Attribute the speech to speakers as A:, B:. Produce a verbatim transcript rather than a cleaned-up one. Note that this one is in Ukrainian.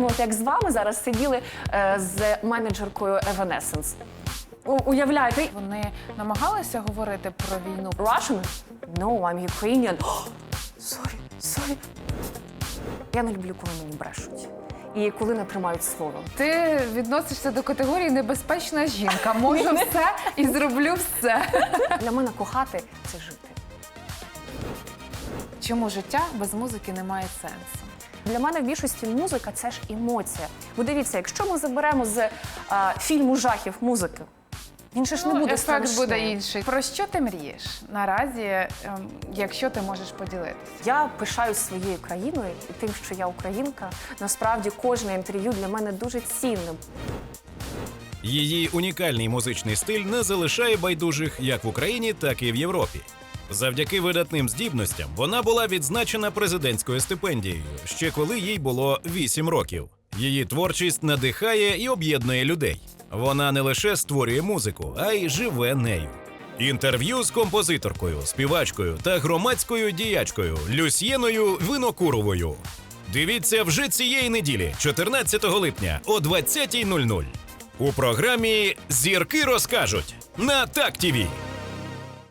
A: ми от як з вами зараз сиділи е, з менеджеркою Evanescence. У- Уявляєте?
B: Вони намагалися говорити про війну.
A: Russian? No, I'm Ukrainian. Oh, sorry, sorry. Я не люблю, коли мені брешуть. І коли не тримають слово.
B: Ти відносишся до категорії небезпечна жінка. Можу все і зроблю все.
A: Для мене кохати – це жити.
B: Чому життя без музики не має сенсу?
A: Для мене в більшості музика – це ж емоція. Бо дивіться, якщо ми заберемо з а, фільму жахів музики, він же ж не
B: Ну,
A: буде
B: ефект
A: страшний.
B: буде інший. Про що ти мрієш наразі, ем, якщо ти можеш поділитися?
A: Я пишаюсь своєю країною і тим, що я українка. Насправді, кожне інтерв'ю для мене дуже цінним.
C: Її унікальний музичний стиль не залишає байдужих як в Україні, так і в Європі. Завдяки видатним здібностям вона була відзначена президентською стипендією, ще коли їй було вісім років. Її творчість надихає і об'єднує людей. Вона не лише створює музику, а й живе нею. Інтерв'ю з композиторкою, співачкою та громадською діячкою Люсьєною Винокуровою. Дивіться вже цієї неділі, чотирнадцятого липня о двадцятій нуль нуль. У програмі «Зірки розкажуть» на Так ТІВІ.